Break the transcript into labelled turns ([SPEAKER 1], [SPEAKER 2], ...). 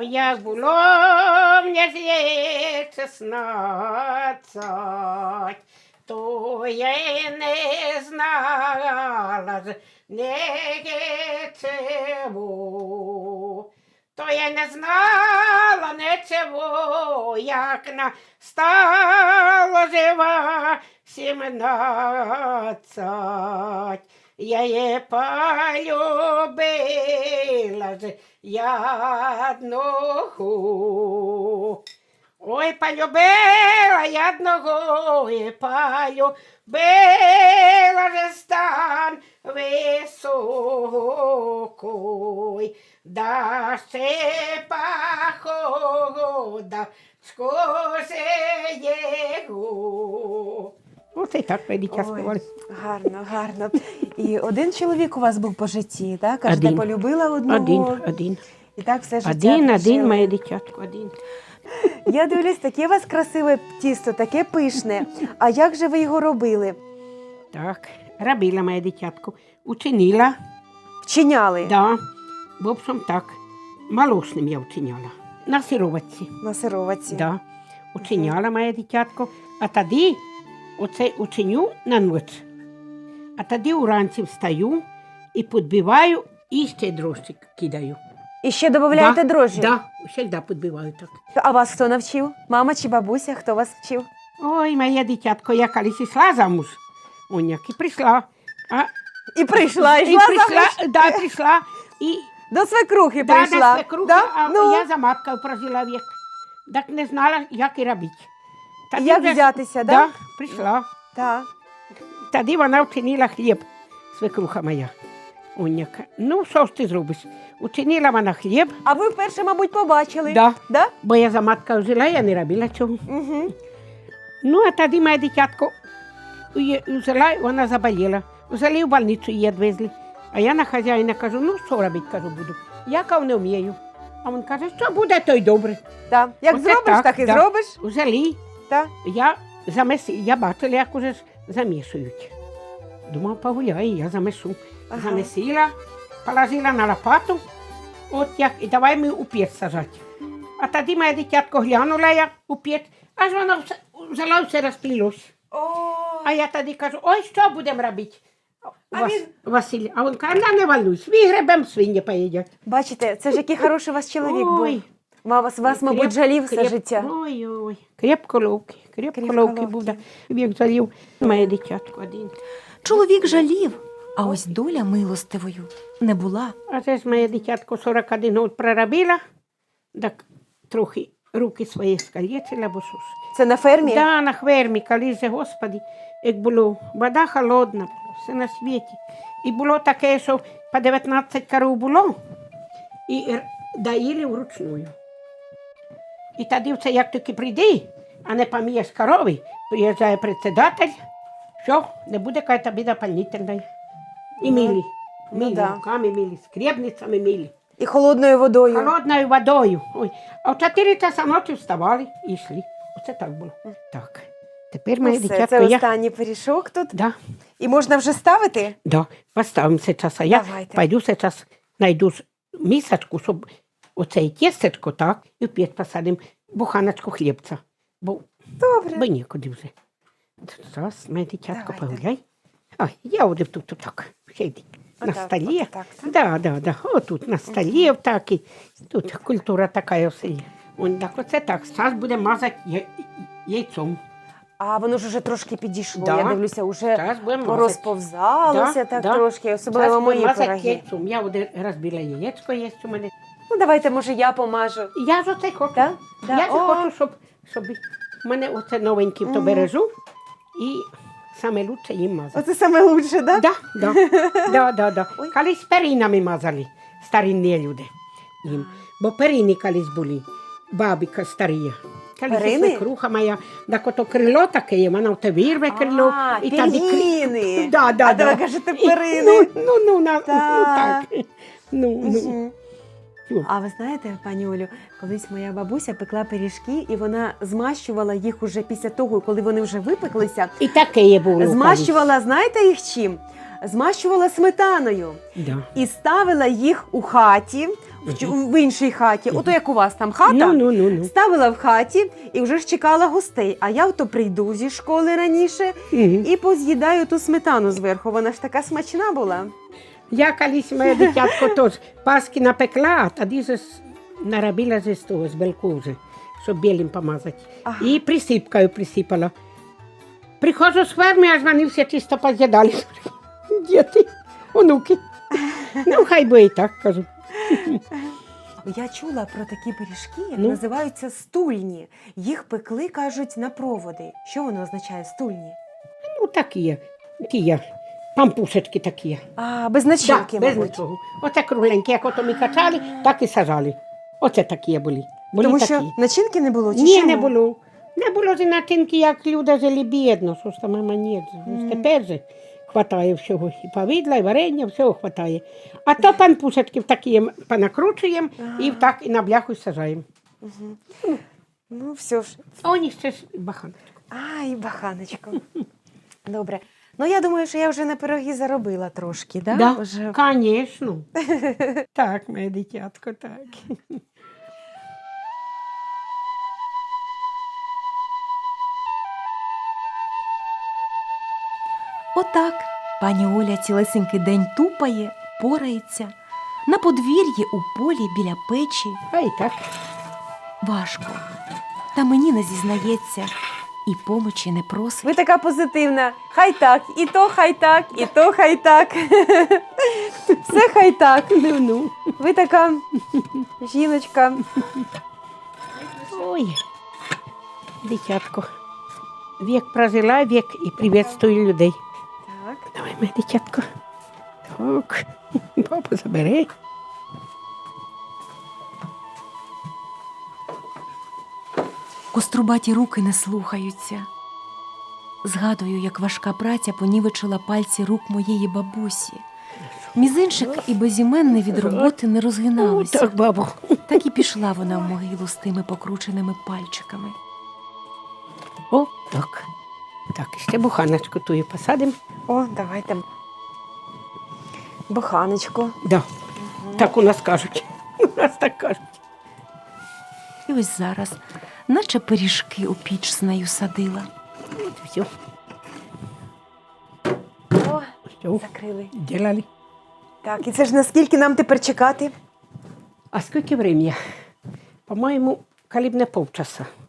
[SPEAKER 1] як було мені лет 16, то я й не знала ж нічого. То я не знала нічого, як настало жива 17. Я її полюбила ж одного. Ой, полюбила я одного, і полюбила же стан високий, да ще похода скоси його. Оце і так дитя співали.
[SPEAKER 2] Гарно, гарно. І один чоловік у вас був по житті, так? Кажете,
[SPEAKER 1] Один.
[SPEAKER 2] полюбила одного.
[SPEAKER 1] Один.
[SPEAKER 2] І так все життя
[SPEAKER 1] Один,
[SPEAKER 2] прожили.
[SPEAKER 1] моє дитятко, один.
[SPEAKER 2] Я дивлюсь, таке у вас красиве тісто, таке пишне. А як же ви його робили?
[SPEAKER 1] Так, робила моє дитятко. Учинила,
[SPEAKER 2] Вчиняли
[SPEAKER 1] да, в общем так, молочним я учиняла. На сироватці,
[SPEAKER 2] на сироватці?
[SPEAKER 1] да, учиняла моє дитятко. А тоді оце учиню на ніч. А тоді уранці встаю і підбиваю, і ще дрожжик кидаю.
[SPEAKER 2] І ще додаєте дрожжі?
[SPEAKER 1] Да, завжди підбиваю так.
[SPEAKER 2] А вас хто навчив? Мама чи бабуся? Хто вас вчив?
[SPEAKER 1] Ой, моє дитятко, я колись йшла замуж, оняк, і прийшла.
[SPEAKER 2] І прийшла,
[SPEAKER 1] І
[SPEAKER 2] йшла
[SPEAKER 1] прийшла,
[SPEAKER 2] замуж?
[SPEAKER 1] да, прийшла, і
[SPEAKER 2] До свекрухи
[SPEAKER 1] да,
[SPEAKER 2] прийшла?
[SPEAKER 1] да, свекруха,
[SPEAKER 2] Да?
[SPEAKER 1] а
[SPEAKER 2] Ну,
[SPEAKER 1] я за маткою прожила вік. Так не знала, як і робити. Тоді
[SPEAKER 2] як
[SPEAKER 1] вже-
[SPEAKER 2] взятися,
[SPEAKER 1] да?
[SPEAKER 2] да?
[SPEAKER 1] Прийшла.
[SPEAKER 2] Так.
[SPEAKER 1] Тоді вона вчинила хліб, свекруха моя. Оняка. Ну, що ж ти зробиш? Учинила вона хліб,
[SPEAKER 2] А ви вперше, мабуть, побачили?
[SPEAKER 1] да,
[SPEAKER 2] Да?
[SPEAKER 1] бо я за маткою жила, я не робила цього.
[SPEAKER 2] Угу.
[SPEAKER 1] Ну, а тоді моє дитятко взяла, вона заболіла. Взяли в больницю, її відвезли. А я на хазяїна кажу, ну, що робити, кажу, буду. Я кажу, не вмію. А він каже, що буде, то й добре.
[SPEAKER 2] Так. Як
[SPEAKER 1] Оце
[SPEAKER 2] зробиш, так і
[SPEAKER 1] да.
[SPEAKER 2] зробиш.
[SPEAKER 1] Взяли,
[SPEAKER 2] Так.
[SPEAKER 1] я бачила, як уже замішують. Думав, погуляю, я замешу.
[SPEAKER 2] Ага.
[SPEAKER 1] Замесила, положила на лопату, от як, і давай ми у печ сажати. А тоді моє дитятко глянула я у печ, аж воно взяла все розплілось.
[SPEAKER 2] О,
[SPEAKER 1] А я тоді кажу, ой, що будемо робити?
[SPEAKER 2] А він-
[SPEAKER 1] Василь, а він каже, не волнуйся, вигребем, свині поїдять.
[SPEAKER 2] бачите, це ж який хороший у вас чоловік
[SPEAKER 1] Ой.
[SPEAKER 2] був. Вас, мабуть, жалів все життя.
[SPEAKER 1] Ой, крепко ловкий
[SPEAKER 2] Крепко
[SPEAKER 1] ловкий був, да. Вік жалів моє дитятко один.
[SPEAKER 3] Чоловік жалів, а ось доля милостивою не була.
[SPEAKER 1] А це ж моє дитятко 41 год проробила, так трохи руки свої скалічила, бо що ж.
[SPEAKER 2] Це на фермі?
[SPEAKER 1] Да, на фермі, коли же, Господи, як було, вода холодна, все на світі. І було таке, що по 19 коров було, і доїли вручную. І тоді це як тільки прийди, а не помієш корови, приїжджає председатель, що, не буде какая-то біда дополнительна. І мили,
[SPEAKER 2] да.
[SPEAKER 1] руками мили, скребницями мили.
[SPEAKER 2] І холодною водою.
[SPEAKER 1] Холодною водою. Ой. А в 4 часа ночі вставали і йшли. Оце так було. Так. Тепер
[SPEAKER 2] Ну
[SPEAKER 1] моє
[SPEAKER 2] все,
[SPEAKER 1] дитятко,
[SPEAKER 2] це
[SPEAKER 1] я...
[SPEAKER 2] останній пиріжок тут.
[SPEAKER 1] Да,
[SPEAKER 2] І можна вже ставити?
[SPEAKER 1] да, поставимо сейчас. А я
[SPEAKER 2] Давайте.
[SPEAKER 1] пойду сейчас, найду мисочку, щоб оце тістечко, так, і в печ посадимо буханочку хлібця. Бо
[SPEAKER 2] Добре.
[SPEAKER 1] нікуди вже. Зараз, моє дитятко,
[SPEAKER 2] Давайте.
[SPEAKER 1] погуляй. Ой, я один тут так, сиди. На
[SPEAKER 2] Отак,
[SPEAKER 1] столі.
[SPEAKER 2] отак, так?
[SPEAKER 1] Да. Отут на столі так і тут культура така в селі. Вон так, оце так. Зараз будемо мазати яйцом.
[SPEAKER 2] А воно ж уже трошки підійшло.
[SPEAKER 1] Да.
[SPEAKER 2] Я дивлюся, уже
[SPEAKER 1] Зараз будемо мазати.
[SPEAKER 2] порозповзалося так трошки, особливо
[SPEAKER 1] Зараз
[SPEAKER 2] мої
[SPEAKER 1] будемо мазати
[SPEAKER 2] пироги.
[SPEAKER 1] яйцом. Я один розбила яєчко, є у мене.
[SPEAKER 2] Ну давайте, може, я помажу.
[SPEAKER 1] Я ж оце хочу.
[SPEAKER 2] Да? Да.
[SPEAKER 1] Я ж
[SPEAKER 2] О.
[SPEAKER 1] хочу, щоб в мене оце новеньке то бережу і саме лучше їм мазати.
[SPEAKER 2] Оце саме лучше, так?
[SPEAKER 1] Да. Колись перинами мазали старинні люди їм. Бо перини колись були, бабіка старі. Колись
[SPEAKER 2] Перини?
[SPEAKER 1] свекруха моя, так ото крило таке є, вона в те вирве крило.
[SPEAKER 2] А,
[SPEAKER 1] і тоді
[SPEAKER 2] пір'їни.
[SPEAKER 1] Да.
[SPEAKER 2] А то ви кажете
[SPEAKER 1] І-
[SPEAKER 2] перини.
[SPEAKER 1] Ну,
[SPEAKER 2] Так.
[SPEAKER 1] так. Ну.
[SPEAKER 2] Мгм.
[SPEAKER 1] Ну.
[SPEAKER 2] А ви знаєте, пані Олю, колись моя бабуся пекла пиріжки, і вона змащувала їх уже після того, коли вони вже випеклися.
[SPEAKER 1] І таке є було.
[SPEAKER 2] Змащувала, знаєте їх чим? Змащувала сметаною.
[SPEAKER 1] Да.
[SPEAKER 2] І ставила їх у хаті, в іншій хаті. Ото як у вас там хата.
[SPEAKER 1] Ну.
[SPEAKER 2] Ставила в хаті і вже ж чекала гостей. А я ото прийду зі школи раніше
[SPEAKER 1] Мгм.
[SPEAKER 2] і поз'їдаю ту сметану зверху. Вона ж така смачна була.
[SPEAKER 1] Я колись моє дитятко теж паски напекла, а тоді же наробила з того, з белку вже, щоб білим помазати.
[SPEAKER 2] Ага.
[SPEAKER 1] І присипкою присипала. Приходжу з ферми, аж вони всі чисто поз'їдали. Діти, онуки. Ну, хай би і так, кажу.
[SPEAKER 2] Я чула про такі пиріжки, як
[SPEAKER 1] Ну?
[SPEAKER 2] називаються стульні. Їх пекли, кажуть, на проводи. Що воно означає стульні?
[SPEAKER 1] Ну, такі, пампушечки такі.
[SPEAKER 2] А, без начинки,
[SPEAKER 1] без
[SPEAKER 2] мабуть.
[SPEAKER 1] нічого. Оце кругленькі, як ото ми качали, так і сажали. Оце такі були. Були
[SPEAKER 2] Тому
[SPEAKER 1] такі.
[SPEAKER 2] що начинки не було? Чи
[SPEAKER 1] Ні,
[SPEAKER 2] чому?
[SPEAKER 1] не було. Не було ж начинки, як люди жили бідно, що ж там мама ні. Тепер же хватає всього. І повідла, і варення, всього хватає. А то пампушечки в такі понакручуємо і так і на бляху сажаємо.
[SPEAKER 2] Ну, все ж.
[SPEAKER 1] А у них ще ж баханочка.
[SPEAKER 2] Ай, баханочко. Добре. Ну, я думаю, що я вже на пироги заробила трошки, да?
[SPEAKER 1] Да,
[SPEAKER 2] Вже...
[SPEAKER 1] звісно. Так, моє дитятко, так.
[SPEAKER 3] Отак пані Оля цілесенький день тупає, порається. На подвір'ї у полі біля печі
[SPEAKER 1] А і так.
[SPEAKER 3] важко. Та мені не зізнається і помочі не просить.
[SPEAKER 2] Ви така позитивна. Хай так, і то хай так, і то хай так. Все хай так.
[SPEAKER 1] Ну.
[SPEAKER 2] Ви така жіночка.
[SPEAKER 1] Ой, дитятко. Вік прожила, вік і приветствую людей.
[SPEAKER 2] Так.
[SPEAKER 1] Давай, моє дитятко. Так, папа забере.
[SPEAKER 3] Кострубаті руки не слухаються. Згадую, як важка праця понівечила пальці рук моєї бабусі. Мізинчик і безіменний від роботи не
[SPEAKER 1] О,
[SPEAKER 3] розгиналися.
[SPEAKER 1] так, бабу.
[SPEAKER 3] Так і пішла вона в могилу з тими покрученими пальчиками.
[SPEAKER 1] О, так. Так, ще буханочку тую посадимо.
[SPEAKER 2] О, давайте. Буханочку.
[SPEAKER 1] Да. Так у нас кажуть. У нас так кажуть.
[SPEAKER 3] І ось зараз, наче пиріжки у піч з нею садила.
[SPEAKER 1] От все.
[SPEAKER 2] О,
[SPEAKER 1] Все.
[SPEAKER 2] закрили.
[SPEAKER 1] Делали.
[SPEAKER 2] Так, і це ж наскільки нам тепер чекати?
[SPEAKER 1] А скільки времени? По-моєму, коли б не полчаса.